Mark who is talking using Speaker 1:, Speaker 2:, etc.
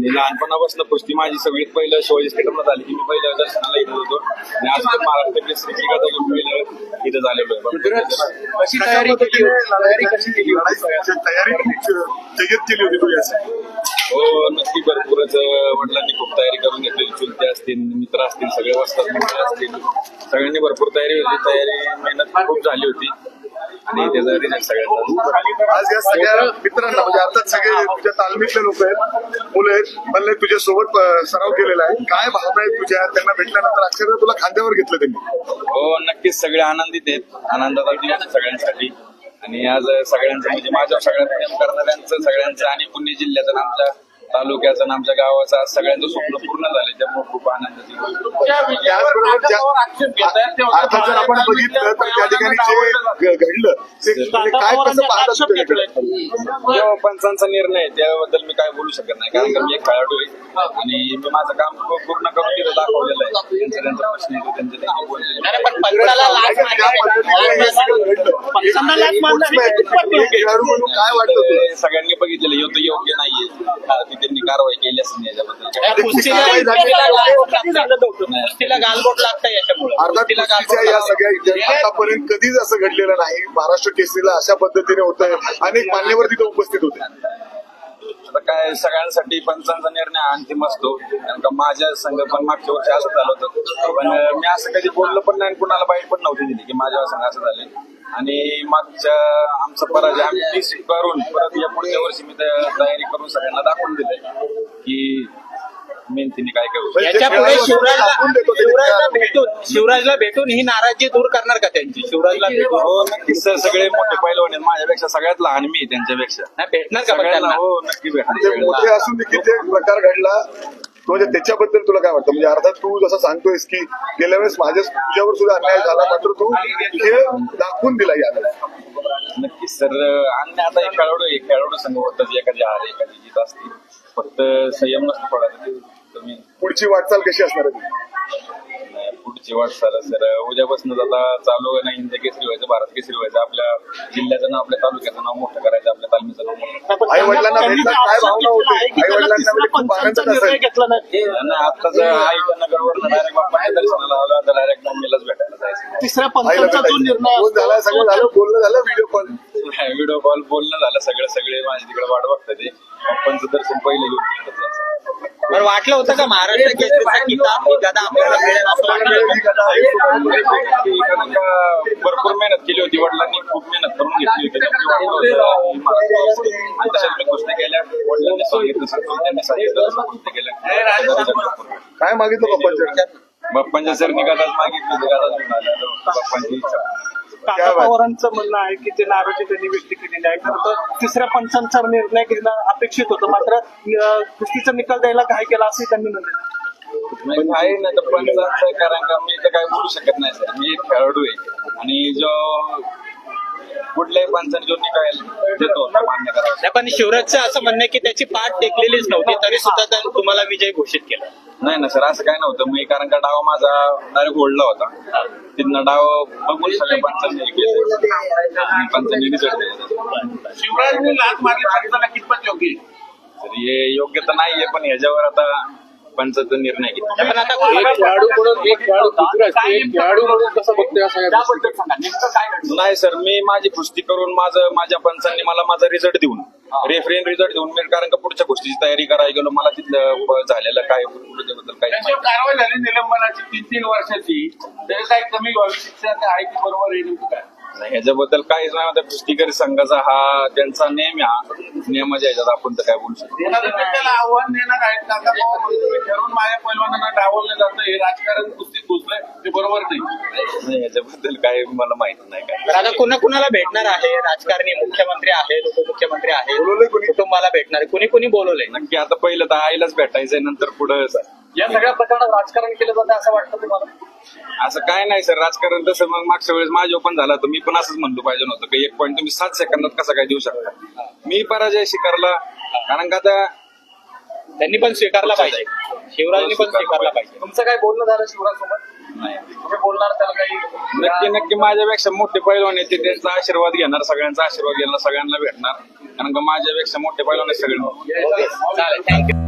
Speaker 1: मी लहानपणापासून कुस्ती माझी सगळीत पहिलं शिवाजी स्टेडियमला झाली की मी पहिल्या दर्शनाला येत होतो आणि आज पण महाराष्ट्र केसरी जिंकण्याचं पहिलं इथं झालेलो आहे.
Speaker 2: कशी तयारी केली होती? तयारी कशी केली होती?
Speaker 3: तयारी जय्यत केली होती तू याची.
Speaker 1: हो नक्की भरपूरच वडिलांनी खूप तयारी करून घेतली. चुलते असतील, मित्र असतील, सगळे वस्तात मित्र असतील, सगळ्यांनी भरपूर तयारी होती. तयारी मेहनत खूप झाली होती आणि त्याचा रिझल्ट सगळ्यांचा.
Speaker 3: आज या सगळ्या मित्रांना म्हणजे अर्थात सगळे तुझ्या तालमीतले लोक आहेत, मुलं आहेत, म्हणले तुझ्या सोबत सराव केलेला आहे. काय भावना आहेत तुझ्या? त्यांना भेटल्यानंतर अक्षरशः तुला खांद्यावर घेतलं त्यांनी?
Speaker 1: हो नक्कीच सगळे आनंदित आहेत. आनंदाचा दिवस सगळ्यांसाठी आणि आज सगळ्यांचं म्हणजे माझ्या सगळ्यात प्रेम करणाऱ्यांचं सगळ्यांचं आणि पुणे जिल्ह्याचं आमच्या तालुक्याचं आणि आमच्या गावाचं आज सगळ्यांचं स्वप्न पूर्ण झालं. त्यामुळे खूप आनंदाची
Speaker 3: अर्थात जर आपण बघितलं तर त्या ठिकाणी जे घडलं ते काय कसं पाहतात?
Speaker 1: पंचांचा निर्णय त्याबद्दल मी काय बोलू शकत नाही कारण का मी एक खेळाडू आहे आणि मी माझं काम पूर्ण करून तिथं दाखवलेलं आहे. त्यांचा प्रश्न येतो त्यांचे
Speaker 3: काय वाटतं?
Speaker 1: सगळ्यांनी बघितलेलं होतं योग्य नाहीये त्यांनी कारवाई केली असेल याच्याबद्दल.
Speaker 2: गालबोट लागतं याच्यामुळे.
Speaker 3: अर्थात या सगळ्या इतिहासात आतापर्यंत कधीच असं घडलेलं नाही. महाराष्ट्र केसरीला अशा पद्धतीने होतंय. अनेक मान्यवर तिथे उपस्थित होते.
Speaker 1: आता काय सगळ्यांसाठी पंचांचा निर्णय अंतिम असतो कारण का माझ्या संघ पण मागच्या वर्षी असं झालं होतं पण मी असं कधी बोललो पण नाही कुणाला बाईट पण नव्हती दिली की माझ्या संघ असं झाले आणि मागच्या आमचा पराजय आम्ही करून परत या पुढच्या वर्षी मी तयारी करून सगळ्यांना दाखवून दिले की मेहनतीने काय करू.
Speaker 2: याच्यापुढे शिवराजला भेटून ही नाराजी दूर करणार का त्यांची? शिवराजला भेटून
Speaker 1: हो नक्कीच सर सगळे मोठे पैलवान आहेत माझ्यापेक्षा सगळ्यात लहान मी त्यांच्यापेक्षा.
Speaker 2: नाही भेटणार का
Speaker 1: सगळ्यांना हो नक्की
Speaker 3: ते
Speaker 1: भेटणार.
Speaker 3: मोठे असून देखील ते प्रकार घडला म्हणजे त्याच्याबद्दल तुला काय वाटतं? म्हणजे अर्थात तू जसं सांगतोयस की गेल्या वेळेस तुझ्यावर सुद्धा अन्याय झाला मात्र तू हे दाखवून दिला याला.
Speaker 1: नक्कीच सर आणि आता एक खेळाडू संघ होतात एखादी हार एखादी जीत असते फक्त संयम नसतो थोडा तुम्ही.
Speaker 3: पुढची वाटचाल कशी असणार आहे?
Speaker 1: पुढची वाटचाल सर उद्यापासून आता चालू आहे ना हिंद केसरी व्हायचं, भारत केसरी व्हायचं, आपल्या जिल्ह्याचं नाव आपल्या तालुक्याचं नाव मोठं करायचं, आपल्या तालमीचं नाव मोठं.
Speaker 3: आई वडिलांना भेटला काय भावना होती? आई वडिलांना खूप आनंद असेल.
Speaker 1: आताच आईच्या नगरवरून डायरेक्ट बाप्पाच्या दर्शनाला आला तर डायरेक्ट मम्मीलाच भेटायला जायचं.
Speaker 2: तिसऱ्या
Speaker 3: आईला भेटायचं झाला, सगळं झालं, बोलणं झालं,
Speaker 1: व्हिडिओ कॉल बोलणं झालं, सगळे माझ्या तिकडे वाट बघतात ते बाप्पांचं दर्शन पहिलं घेऊन तिकडे जायचं.
Speaker 2: बरं वाटलं होतं का महाराष्ट्र केसरीचा किताब ही गदा आपल्याला मिळेल असं वाटलं?
Speaker 1: भरपूर मेहनत केली होती वडिलांनी, खूप मेहनत करून घेतली होती आणि तशाच मी गोष्टी केल्या. वडिलांनी सांगितलं त्यांनी सांगितलं गोष्टी केल्या.
Speaker 3: काय मागितलं
Speaker 1: बाप्पांच्या सर निघालाच मागितली बाप्पांची इच्छा.
Speaker 4: काका पवारांचं म्हणणं आहे की ते नाराजी त्यांनी व्यक्त केलेली आहे. खरं तर तिसऱ्या पंचांचा निर्णय घेणं अपेक्षित होतं मात्र कुस्तीचा निकाल द्यायला घाई केला असंही त्यांनी म्हटलं.
Speaker 1: आहे ना तर पंचांचं कारण का मी तर काय बोलू शकत नाही सर. मी एक खेळाडू आहे आणि जो कुठल्याही पंचाने जो निकाल देतो मान्य करावा.
Speaker 2: पण शिवराजचं असं म्हणणं आहे की त्याची पाठ टेकलेलीच नव्हती तरी सुद्धा त्यांनी तुम्हाला विजय घोषित केला.
Speaker 1: नाही ना सर असं काय नव्हतं. मी कारण का डाव माझा डायरेक्ट ओढला होता तिथनं डाव बघून सगळ्या पंचांनी रिझल्ट दिला.
Speaker 2: शिवराजने लाच मारली कितपत योग्य
Speaker 1: तर हे योग्य तर नाहीये पण ह्याच्यावर आता पंचाचा निर्णय घेतला.
Speaker 2: पण आता
Speaker 1: नाही सर मी माझी कुस्ती करून माझ्या पंचांनी मला माझा रिझल्ट देऊन रेफरीन रिझल्ट देऊन मी कारण का पुढच्या गोष्टीची तयारी करायला गेलो मला तिथलं झालेलं काय त्याबद्दल काही
Speaker 5: कारवाई झाली निलंबनाची 3 वर्षाची तरी काही कमी व्हावी शिक्षा आहे की बरोबर येईल काय?
Speaker 1: नाही ह्याच्याबद्दल काहीच नाही होतं. कुस्तीकरी संघाचा हा त्यांचा नेम हा नियमाच्या ह्याच्यात आपण तर काय बोलू शकतो.
Speaker 5: त्याला आव्हान देणार आहेत काका ठरवून माझ्या पैलवानांना डावललं जातं हे राजकारण कुस्तीत घुसलंय ते बरोबर नाही.
Speaker 1: ह्याच्याबद्दल काय मला माहिती नाही काय.
Speaker 2: आता कुणाला भेटणार आहे? राजकारणी मुख्यमंत्री आहेत, उपमुख्यमंत्री आहेत, कुटुंबाला भेटणार आहे, कुणी बोलवलंय?
Speaker 1: नक्की आता पहिलं तर आईलाच भेटायचंय नंतर पुढं
Speaker 5: या सगळ्या प्रकरणात राजकारण केलं जातं असं वाटतं तुम्हाला?
Speaker 1: असं काय नाही सर. राजकारण तसं मग मागच्या वेळेस माझ्या पण झालं तर मी पण असंच म्हणलो पाहिजे नव्हतं की एक पॉईंट तुम्ही 7 सेकंदात कसा काय देऊ शकता. मी पराजय स्वीकारला कारण का आता
Speaker 2: त्यांनी पण स्वीकारला पाहिजे, शिवराजनी पण स्वीकारला पाहिजे.
Speaker 5: तुमचं काय बोलणं झालं शिवराजसोबत?
Speaker 1: नाही
Speaker 5: तुम्ही बोलणार त्याला काही?
Speaker 1: नक्की माझ्यापेक्षा मोठे पैलवान आहेत त्यांचा आशीर्वाद घेणार, सगळ्यांचा आशीर्वाद घेणार, सगळ्यांना भेटणार कारण का माझ्यापेक्षा मोठे पैलवान आहेत सगळे.
Speaker 2: चालेल, थँक्यू.